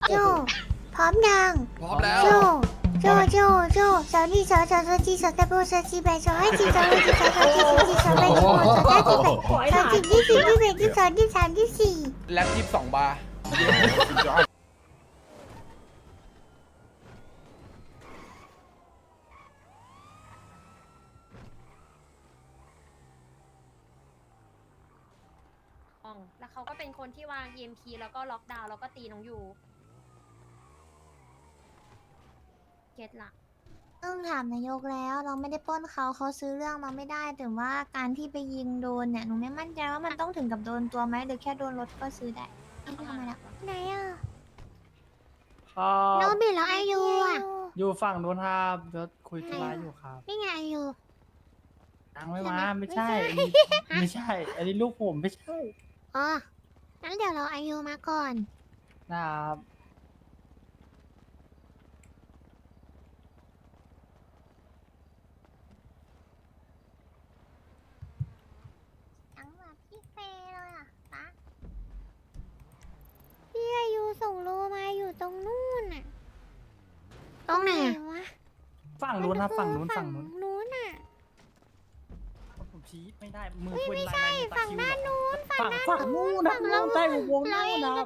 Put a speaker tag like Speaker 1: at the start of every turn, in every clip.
Speaker 1: โจพร้อมยัง
Speaker 2: พร้อมแล้ว
Speaker 1: โจโจสาวนี่สาวจีสาวตะโบสาวจีแบสาวให้จีสาวให้จีสาวจีสาวจีสาวแบสาวสาวจีแบสาวจีที่ 4 ที่ 5 ที่ 6 ที่ 7 ที่ 8 ที่ 9 ที่ 10 ที่ 11 ที่ 12 ที่ 13 ที่ 14
Speaker 2: แล็ป22 บาร์
Speaker 3: แล้วเขาก็เป็นคนที่วาง EMP แล้วก็ล็อกดาวน์แล้วก็ตีน้องยูเก็ตละ
Speaker 1: ต้องถามนายกแล้วเราไม่ได้ปล้นเขาซื้อเรื่องมาไม่ได้แต่ว่าการที่ไปยิงโดนเนี่ยหนูไม่มั่นใจว่ามันต้องถึงกับโดนตัวไหมหรือแค่โดนรถก็ซื้อได้ทำไมล่ะไหนอ่ะ
Speaker 4: ครับ
Speaker 1: โนบิแล้วไอยูอ่ะ
Speaker 4: อยู่ฝั่งนู้นครับเดี๋ยวคุยธุระอยู่ครับ
Speaker 1: นี่ไงไอยู
Speaker 4: ตังไม่มาไม่ใช่อันนี้ไม่ใช่ อันนี้ลูกผมไม่ใช่
Speaker 1: อ๋องั้นเดี๋ยวเราไอยูมาก่อน
Speaker 4: นะครับ
Speaker 1: จังหวะพี่เฟเลยอ่ะปะพี่อายุส่งโลมาอยู่ตรงนู่นน่ะตรงไหนวะ
Speaker 4: ฝั่งนู้นครับฝั่งนู้นฝั่งนู้น
Speaker 1: นู้นน่ะ
Speaker 4: ผมชี้ไม่ได้มือ
Speaker 1: เฮ้ย
Speaker 4: เป็น
Speaker 1: ไม่
Speaker 4: ลาย
Speaker 1: ใช่
Speaker 4: ลาย
Speaker 1: ฝั่งด้านนู้น
Speaker 4: ฝั่งนู้นนะนู้นใต้วงนู้นนะครับ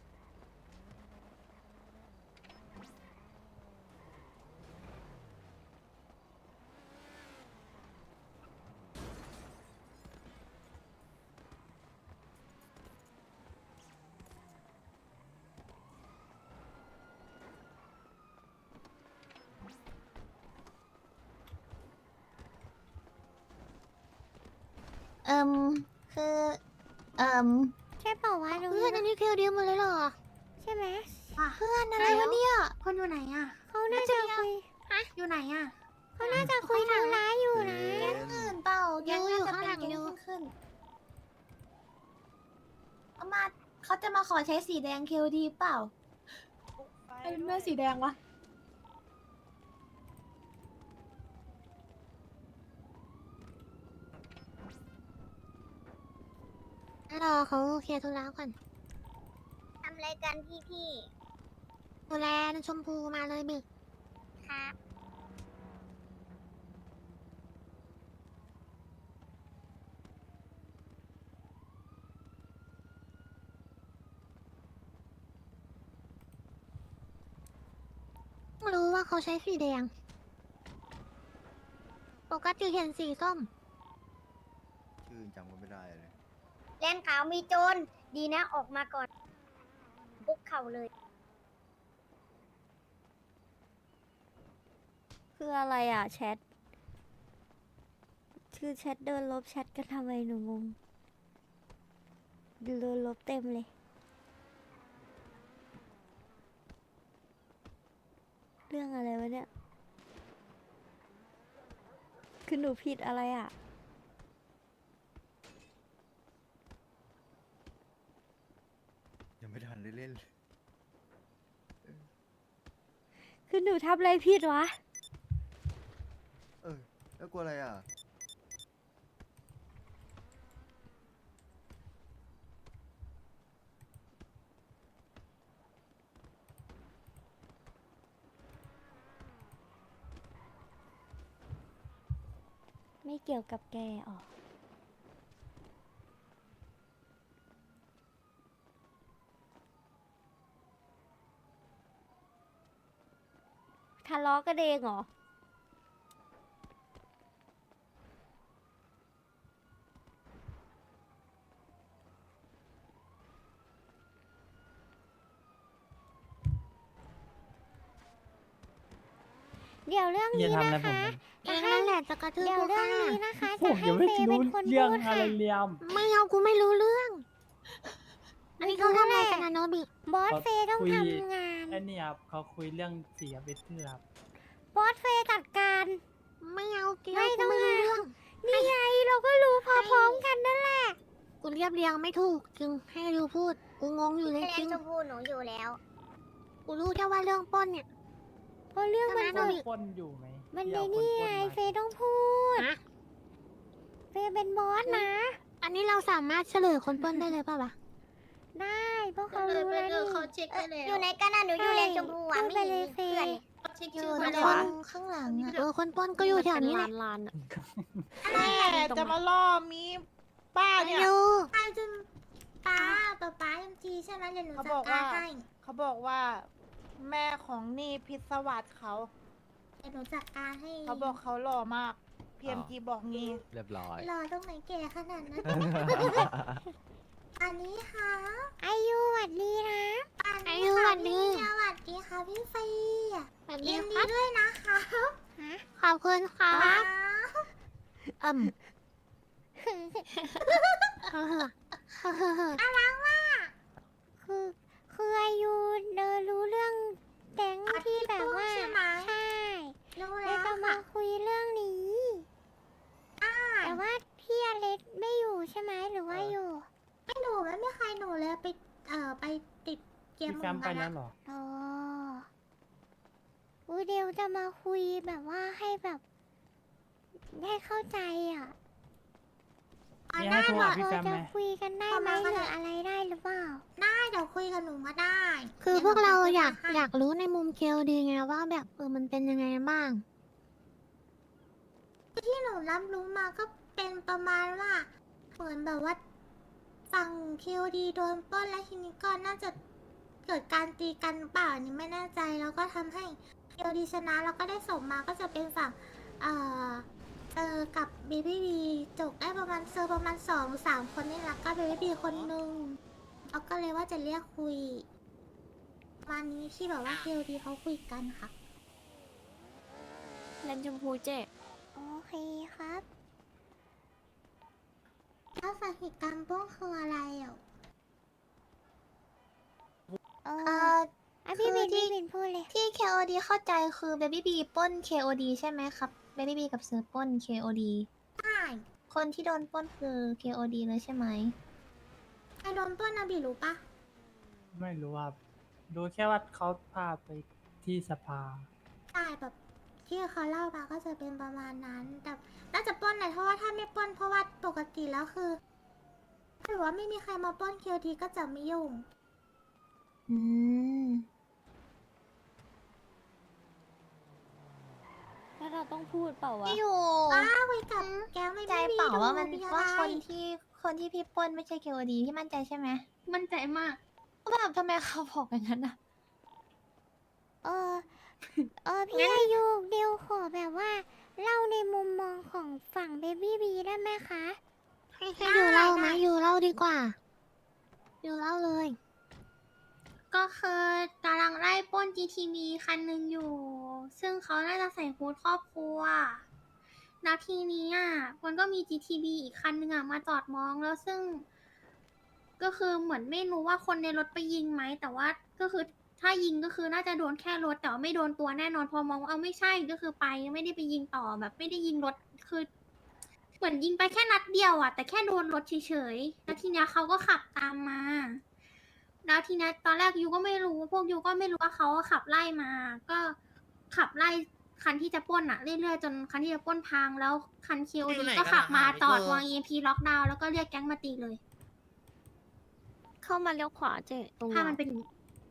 Speaker 1: เอิมคือเอิมใช่เปล่าวะเพื่อนอันนี้คือเดียวหมดเลยเหรอใช่ไหมเพื่อนอะไรวะเนี่ยคนอยู่ไหนอ่ะเขาน่าจะคุยอยู่ไหนอ่ะเขาน่าจะคุยทางร้ายอยู่นะแก๊งอื่นเปล่าแก๊งอยู่ข้างหลังดูขึ้นเอามาเขาจะมาขอใช้สีแดงเคลดีเปล่า
Speaker 5: เป็นแม่สีแดงวะ
Speaker 1: รอเขาเคลียร์ธุระก่อนทำอะไรกันพี่ดูแลชมพูมาเลยบิครับรู้ว่าเขาใช้สีแดง ปกติเห็นสีส้ม
Speaker 6: ชื่อจำก็ไม่ได้เลย
Speaker 1: แลนขาวมีโจรดีนะออกมาก่อนบุกเข่าเลย
Speaker 7: คืออะไรอ่ะแชท ชื่อแชทเดินลบแชทกันทำไมหนูงงเดินลบเต็มเลย เรื่องอะไรวะเนี่ย คือหนูผิดอะไรอ่ะ
Speaker 6: ยังไม่ทันได้เล่นเลย
Speaker 7: คือหนูทำอะไรผิดวะ
Speaker 6: แล้วกลัวอะไรอ่ะ
Speaker 7: ไม่เกี่ยวกับแกอ๋อทะเลาะกันเองเหรอ
Speaker 1: เดี๋ยวเรื่อง
Speaker 4: อย่า
Speaker 1: นี้
Speaker 4: ทำอะไร
Speaker 1: นะ
Speaker 4: ผม
Speaker 1: คะเองนั่นแหละจะกระทืบ
Speaker 7: เดี๋ยว
Speaker 1: กู
Speaker 7: เรื่อง
Speaker 1: ค่ะ
Speaker 7: นี้นะคะ
Speaker 4: ผ
Speaker 7: จะ
Speaker 4: ม
Speaker 7: ให้
Speaker 4: ยังไม่
Speaker 7: เฟย์
Speaker 4: รู้
Speaker 7: เป็นคน
Speaker 4: เรื่อง
Speaker 7: พูด
Speaker 4: อะ
Speaker 7: ค่ะ
Speaker 4: ไรเลียม
Speaker 1: ไม่เอากูไม่รู้เรื่อง อันนี้เขาทำอะไรกันนะโนบิ
Speaker 7: บอสเฟย์ต้อง
Speaker 4: คุย
Speaker 7: ทำงาน
Speaker 4: ไอ้นี่ครับเขาคุยเรื่องเสียเบสเทอร์ครับ
Speaker 7: บอสเฟย์จัดการ
Speaker 1: ไม่เอาเกี่ยว
Speaker 7: ไม่
Speaker 1: กู
Speaker 7: ต้อง
Speaker 1: ไม่รู้
Speaker 7: หา
Speaker 1: เรื่อง
Speaker 7: นี่ไงเราก็รู้พร้อมๆกันนั่นแหละ
Speaker 1: กูเรียบเรียงไม่ถูกจึงให้ดูพูด กูงงอยู่เลย
Speaker 8: แล
Speaker 1: จริ
Speaker 8: น
Speaker 1: ง
Speaker 8: ชมพูหนูอยู่แล้ว
Speaker 1: กูรู้แค่ว่าเรื่องปล้นเนี่ย
Speaker 7: เพราะเรื่องมัน
Speaker 1: ทำไม
Speaker 7: เกิด
Speaker 4: ปล้นอยู่ไหม
Speaker 7: มัน
Speaker 4: ที่
Speaker 7: ใน
Speaker 4: เอาค
Speaker 7: นี่
Speaker 4: ปล้
Speaker 7: ไง
Speaker 4: มา
Speaker 7: เฟย์ต้องพูด
Speaker 1: ฮะ
Speaker 7: เฟย์เป็นบอสนะ
Speaker 1: อันนี้เราสามารถเฉลยคนปล้นได้เลยป่าวะ
Speaker 7: ได้พวก
Speaker 3: ก็
Speaker 7: เขา
Speaker 3: เลย
Speaker 7: รู้
Speaker 3: ไป
Speaker 7: แล้ว
Speaker 3: เลื
Speaker 7: นี่
Speaker 3: อกเขาเช็คไปแล้ว
Speaker 1: อยู่ในกันนะหนูอยู่เลนชมพูอ่ะ
Speaker 7: พูด
Speaker 1: ไม่
Speaker 7: ไป
Speaker 1: เห็น
Speaker 7: เลย
Speaker 1: มี
Speaker 7: เฟ
Speaker 1: เพื่อน
Speaker 7: ย
Speaker 1: เลย
Speaker 3: เขาเช็ค
Speaker 1: อยู่
Speaker 3: ชื่อ
Speaker 1: ต
Speaker 3: ไป
Speaker 1: รง
Speaker 3: แล้วอะ
Speaker 1: ข้างหลังอ่ะคนป้อนก็อยู่แถวนี้แหละ
Speaker 5: ลาน
Speaker 1: อะไร
Speaker 5: แม่จะมาล่อมีป้าเนี่ย
Speaker 1: อยู่ป้าจะป้าเอ็มจีใช่ไหมเดี๋ยวหนู
Speaker 5: เขา
Speaker 1: จั
Speaker 5: บ
Speaker 1: ด
Speaker 5: อก
Speaker 1: กา
Speaker 5: ว่า
Speaker 1: รให้
Speaker 5: เขาบอกว่า แม่ของนี่พิศวาสเขา
Speaker 1: เดี๋ยวหนูจัดการให้
Speaker 5: เขาบอกเขาหล่อมาก PMG บอกงี้
Speaker 2: เรียบร้อย
Speaker 1: รอตรงไหนแก่ขนาดนั้น อันนี้ค่ะ
Speaker 7: อายุหวัดดีนะ
Speaker 1: อันนี้ค่ะพี่สวัสดีค่ะพี่เฟย์ยินดีด้วยนะคะ
Speaker 7: ขอบคุณค่ะ
Speaker 1: ว้าว น่ารักมาก
Speaker 7: คืออายุเดินรู้เรื่องแก๊งที่แบบว่า
Speaker 1: ใช่ไหม
Speaker 7: ใช่
Speaker 1: รู้
Speaker 7: เล
Speaker 1: แล้
Speaker 7: ยว จะมา
Speaker 1: ค่ะ
Speaker 7: คุยเรื่องนี้ แต่ว่าพี่อเล็กไม่อยู่ใช่ไหมหรือว่าอยู่
Speaker 1: ไม่หนูไม่มีใครหนูเลยไปไปติดเกม
Speaker 4: พี่แฟมไปแล้วเหรอ
Speaker 7: อ๋ออูเดยวจะมาคุยแบบว่าให้แบบให้เข้าใจอ่ะ
Speaker 4: มีให้โทรหาพี่
Speaker 7: เรา
Speaker 4: แฟม
Speaker 7: จะ
Speaker 4: ไหม
Speaker 7: คุยกันได้ไหมหรืออะไรได้หรือเปล่า
Speaker 1: ได้เดี๋ยวคุยกับหนูมาได้
Speaker 8: คือพวกเราอยาก
Speaker 1: ให้
Speaker 8: อยากรู้ในมุมเคลดีไงว่าแบบมันเป็นยังไงบ้าง
Speaker 1: ที่หนูรับรู้มาก็เป็นประมาณว่าเหมือนแบบว่าฝั่งคิวดีโดนปล้นแล้วทีนี้ก็น่าจะเกิดการตีกันเปล่าอันนี้ไม่แน่ใจแล้วก็ทำให้คิวดีชนะแล้วก็ได้ส่งมาก็จะเป็นฝั่งเอ่อกับเบบี้บีจบได้ประมาณประมาณ2-3 คนนี่แหละก็เบบี้บีคนหนึ่งเขาก็เลยว่าจะเรียกคุยประมาณนี้ที่แบบว่าคิวดีเขาคุยกันค่ะ
Speaker 5: เลนชมพูเจ๊
Speaker 7: โอเคครับ
Speaker 1: แล้วสาเหตุการณ์ปล้นคืออะไรอ่ะ
Speaker 7: เอ
Speaker 1: เอ
Speaker 7: อ
Speaker 1: อ
Speaker 7: พี่
Speaker 1: คือ
Speaker 7: บิน
Speaker 1: ที่
Speaker 7: พี่บินพูดเลย
Speaker 8: ที่ KOD เข้าใจคือ Baby B ปล้น KOD ใช่ไหมครับ Baby B กับเซอร์ปล้น KOD
Speaker 1: ใช่
Speaker 8: คนที่โดนปล้นคือ KOD เลยใช่ไหม
Speaker 1: ใครโดนปล้นนะบีรู้ปะ
Speaker 4: ไม่รู้ว่าดูแค่ว่าเขาพาไปที่สภา
Speaker 1: ใช่แบบที่เขาเล่ามาก็จะเป็นประมาณนั้น แต่น่าจะปล้นหน่อยเพราะว่าถ้าไม่ปล้นเพราะว่าปกติแล้วคือถ้าหรือว่าไม่มีใครมาปล้นคิวทีก็จะไม่ยุ่ง
Speaker 8: อืม
Speaker 5: แล้วเราต้องพูดเปล่าวะ
Speaker 8: พี่อยู่
Speaker 1: อ้าวคุยกับแก๊งไม่
Speaker 8: ใจ
Speaker 1: มี
Speaker 8: เปล่าว่ามัน
Speaker 1: ดู
Speaker 8: ว่า
Speaker 1: อะไร
Speaker 8: คนที่พี่ปล้นไม่ใช่ KOD พี่มั่นใจใช่ไหม
Speaker 3: มั่นใจมาก
Speaker 8: ก็แบบทำไมเขาบอกอย่างนั้นอะ
Speaker 7: เออ พี่อายุเดียวขอแบบว่า เล่าในมุมมองของฝั่งเบบี้บีได้ไหมคะ
Speaker 8: ให้อยู่เล่าไหมอยู่เล่าดีกว่า อยู่เล่าเลย
Speaker 9: ก็คือกำลังไล่ปล้น GTV คันหนึ่งอยู่ ซึ่งเขาน่าจะใส่ฮูดครอบครัว แล้วทีนี้อ่ะมันก็มี GTV อีกคันหนึ่งอ่ะมาจอดมองแล้วซึ่ง ก็คือเหมือนไม่รู้ว่าคนในรถไปยิงไหม แต่ว่าก็คือถ้ายิงก็คือน่าจะโดนแค่รถแต่ว่าไม่โดนตัวแน่นอนพอมองว่าเอาไม่ใช่ก็คือไปไม่ได้ไปยิงต่อแบบไม่ได้ยิงรถคือ เหมือนยิงไปแค่นัดเดียวอ่ะแต่แค่โดนรถเฉยๆแล้วทีเนี้ยเขาก็ขับตามมา แล้วทีนี้ตอนแรกยูก็ไม่รู้พวกยูก็ไม่รู้ว่าเขาขับไล่มา ก็ขับไล่คันที่จะปล้นอะเรื่อยๆจนคันที่จะปล้นพังแล้วคันคิวดีก็ขับมาจอดวาง EMP ล็อกดาวน์แล้วก็เรียกแก๊งมาตีเลย
Speaker 5: เข้ามาเลี้ยวขวาเจ๊ตรง
Speaker 9: ถ้ามันเป็นอย่างนี้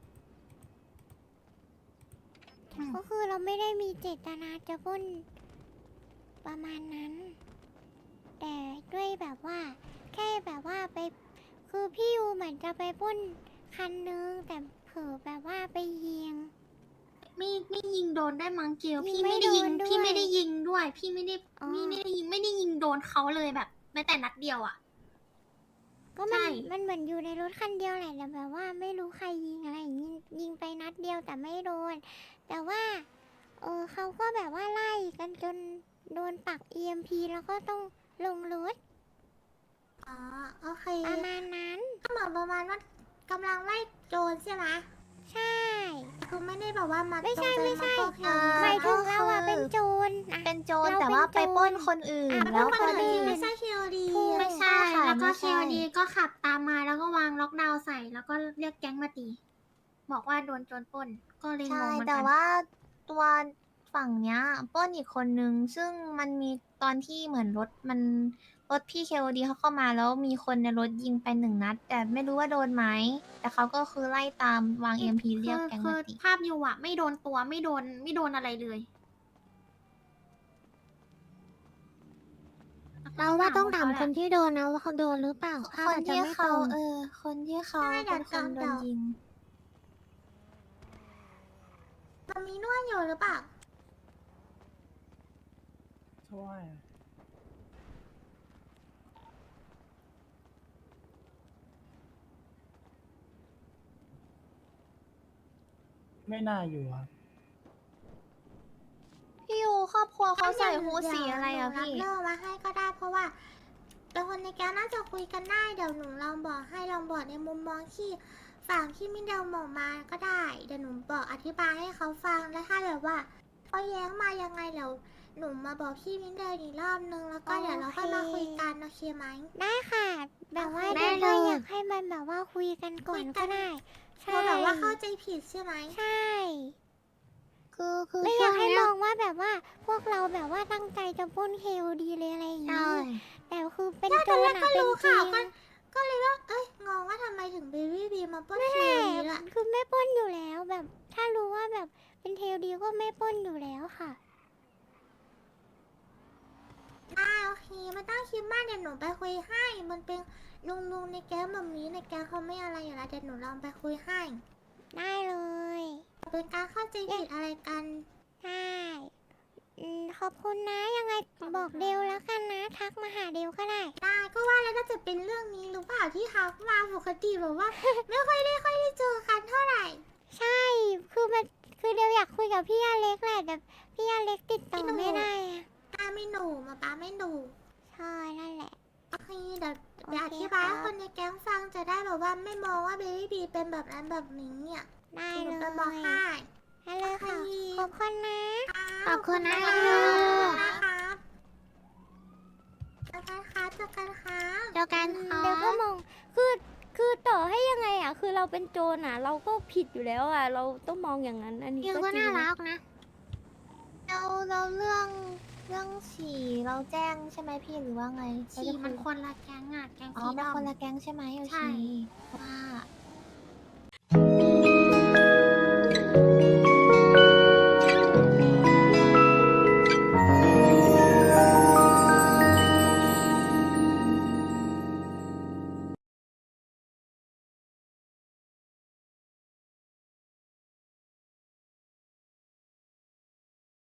Speaker 7: ก็คือเราไม่ได้มีเจตนาจะปล้นประมาณนั้น แต่ด้วยแบบว่า แค่แบบว่าไป คือพี่ยูเหมือนจะไปปล้นคันนึงแต่เผลอแบบว่าไปยิง
Speaker 9: ไม่ยิงโดนได้มั้งเกล
Speaker 7: ยิ
Speaker 9: พี่
Speaker 7: งไม่
Speaker 9: ไม่ได้ยิง
Speaker 7: โดนด้วย
Speaker 9: พี่ไม่ได้ยิงด้วย พี่ไม่ได้
Speaker 7: อ๋อ
Speaker 9: ไม่ได้ยิงโดนเขาเลยแบบแม้แต่นัดเดียวอะ
Speaker 7: ก็
Speaker 9: ใช่
Speaker 7: มันเหมือนอยู่ในรถคันเดียวแหละแต่แบบว่าไม่รู้ใครยิงอะไรอย่างงี้ยิงไปนัดเดียวแต่ไม่โดน แต่ว่า เขาก็แบบว่าไล่กันจนโดนปัก EMP แล้วก็ต้องลงรถ
Speaker 1: อ๋อโอเค
Speaker 7: ประมาณนั้น
Speaker 1: ก็เหมือนประมาณว่ากำลังไล่โจรใช่ไหม
Speaker 7: ใช่
Speaker 1: คือไม่ได้แบบว่ามา
Speaker 7: ไม่ใช่
Speaker 1: จงใจ
Speaker 7: ไม่ใช่
Speaker 1: าปล้นแค่
Speaker 7: หมายถึงเราอะ
Speaker 8: ก็คือ
Speaker 7: เป็นโจรอะ
Speaker 8: เป็นโจร
Speaker 7: เรา
Speaker 8: แต่ว่า
Speaker 7: เป็นโจร
Speaker 8: ไปปล้นคนอื่น
Speaker 7: อ่ะ
Speaker 8: แล้ว
Speaker 1: ค
Speaker 8: พอน ดี
Speaker 1: อื่นไม่ใช่คิวดี
Speaker 7: ถูก
Speaker 9: ไม่ใช่
Speaker 8: ค่ะ
Speaker 9: แล้วก็
Speaker 8: ไม่
Speaker 9: เค
Speaker 8: ใช่
Speaker 9: ลดีก็ขับตามมาแล้วก็วางล็อกดาวน์ใส่แล้วก็เรียกแก๊งมาตี บอกว่าโดนโจรปล้น ก็เลยง
Speaker 8: ใช่
Speaker 9: งเหมือน
Speaker 8: แต่
Speaker 9: กัน
Speaker 8: ว่าตัวฝั่งเนี้ยปล้นอีกคนนึง ซึ่งมันมีตอนที่เหมือนรถมันรถพี่ KOD เขาเข้ามาแล้วมีคนในรถยิงไป1 นัด แต่ไม่รู้ว่าโดนไหม แต่เขาก็คือไล่ตามวาง EMP เรียกแก๊ง
Speaker 9: คื
Speaker 8: มา
Speaker 9: อ
Speaker 8: ติ
Speaker 9: ภาพอยู่อะไม่โดนตัวไม่โดนอะไรเลย
Speaker 1: เราว่าต้องถามคนที่โดนนะว่าเขาโดนหรือเปล่าภาพ
Speaker 8: คน
Speaker 1: อาจจะ
Speaker 8: ที่
Speaker 1: ไม่ต
Speaker 8: เขา
Speaker 1: รง
Speaker 8: คนที่เขาเป็นคนโดนยิง
Speaker 7: มันมีนวดอยู่หรือเปล่า
Speaker 4: ช่วยไม่น่าอยู่ครับ
Speaker 8: พี่ยูครอบครัวเขาใส่ฮูดสีอะไรอะ
Speaker 7: เดี๋ยว
Speaker 8: พี่
Speaker 7: หนูรับเรื่องมาให้ก็ได้เพราะว่าเป็นคนในแก๊งน่าจะคุยกันได้เดี๋ยวหนูลองบอกให้ลองบอกในมุมมองที่ฝั่งที่มิเดลบอกมาก็ได้เดี๋ยวหนูบอกอธิบายให้เขาฟังแล้วถ้าแบบว่าเขาแย้งมายังไงเดี๋ยวหนูมาบอกพี่มิเดลอีกรอบนึงแล้วก็เดี๋ยวเราค่อยมาคุยกันโอเคไหม
Speaker 1: ได้ค่ะ แบบว่า
Speaker 7: ได้
Speaker 1: เดี๋ยว
Speaker 7: เลย
Speaker 1: ก็อยากให้มันแบบว่าคุยกันก่อนก็ได้ ใช่
Speaker 7: เขาแบบว่าเข้าใจผิดใช่ไหม
Speaker 1: ใช่
Speaker 8: คือ
Speaker 1: ไม่อ
Speaker 8: ช่
Speaker 1: ยาว ก
Speaker 8: ง
Speaker 1: ให้
Speaker 8: เนี้
Speaker 1: ม
Speaker 8: ย
Speaker 1: องว่าแบบว่าพวกเราแบบว่าตั้งใจจะปล้นเคลดีเลยอะไรอย่าง
Speaker 8: ใช่
Speaker 1: นี้แต่คือเป็น
Speaker 7: ใช่
Speaker 1: โจ
Speaker 7: ตอนแร
Speaker 1: ร
Speaker 7: ก
Speaker 1: อะ
Speaker 7: ก็
Speaker 1: เป็น
Speaker 7: รู้
Speaker 1: จริ
Speaker 7: ข่าว
Speaker 1: ง
Speaker 7: ก็เลยว่าเอ้ยงงว่าทำไมถึงเบบี้บีมาปล้น
Speaker 1: ไม่
Speaker 7: คิ
Speaker 1: แห
Speaker 7: ว
Speaker 1: ละ
Speaker 7: นี้ล่ะ
Speaker 1: คือไม่ปล้นอยู่แล้วแบบ ถ้ารู้ว่าแบบเป็นเทลดีก็ไม่ปล้นอยู่แล้วค่ะ
Speaker 7: ได้โอเคไม่ต้องคิดมากเดี๋ยวหนูไปคุยให้มันเป็นลุงในแก๊งแบบนี้ในแก๊งเขาไม่อะไรอยู่แล้วเดี๋ยวหนูลองไปคุยให้
Speaker 1: ได้เลย
Speaker 7: เป็นการเข้าใจผิดอะไรกัน
Speaker 1: ได้ขอบคุณนะยังไงบอกเดลแล้วกันนะ ทักมาหาเดลก็ได้
Speaker 7: ได้ก็ว่าแล้วน่าจะเป็นเรื่องนี้หรือเปล่าที่ทักมาปกติแบบว่า ไม่ค่อยได้เจอกันเท่าไหร่
Speaker 1: ใช่ คือเดลอยากคุยกับพี่อเล็กแหละแต่พี่อเล็กติดต่อ
Speaker 7: พี่หนู
Speaker 1: ไม่ได้อะ
Speaker 7: ป้าไม่หนูมาป้าไม่หนู
Speaker 1: ใช่นั่นแหละ
Speaker 7: โอเคเดี๋ยว
Speaker 1: โอเค
Speaker 7: อธิบายให้
Speaker 1: ครับ
Speaker 7: คนในแก๊งฟังจะได้แบบว่าไม่มองว่าเบบี้บีเป็นแบบนั้นแบบนี้อ่ะ
Speaker 1: ได้
Speaker 7: หนู
Speaker 1: เลย
Speaker 7: ไปบอกให้
Speaker 1: ได้เลยค่ะ
Speaker 7: โอเค
Speaker 1: ขอบคุณนะ
Speaker 7: ขอบคุณนะ
Speaker 1: ขอบคุณ
Speaker 7: ค
Speaker 1: นะ
Speaker 7: รับเจอกันครับเจอกันครับ
Speaker 1: เจอกันเดี๋ยวก็มองคือต่อให้ยังไงอ่ะ คือเราเป็นโจรอ่ะ เราก็ผิดอยู่แล้วอ่ะ เราต้องมองอย่างนั้น อันนี้ก็จริงนะ
Speaker 8: เราเรื่องฉี่เราแจ้งใช่ไหมพี่หรือว่าไง
Speaker 9: ฉี่มันคนละแก๊งอะแก๊ง
Speaker 8: อ๋อ
Speaker 9: สี
Speaker 8: เป็น
Speaker 9: ดำ
Speaker 8: คนละแก๊งใช่ไหมโอ
Speaker 9: ใช่
Speaker 8: เคว่า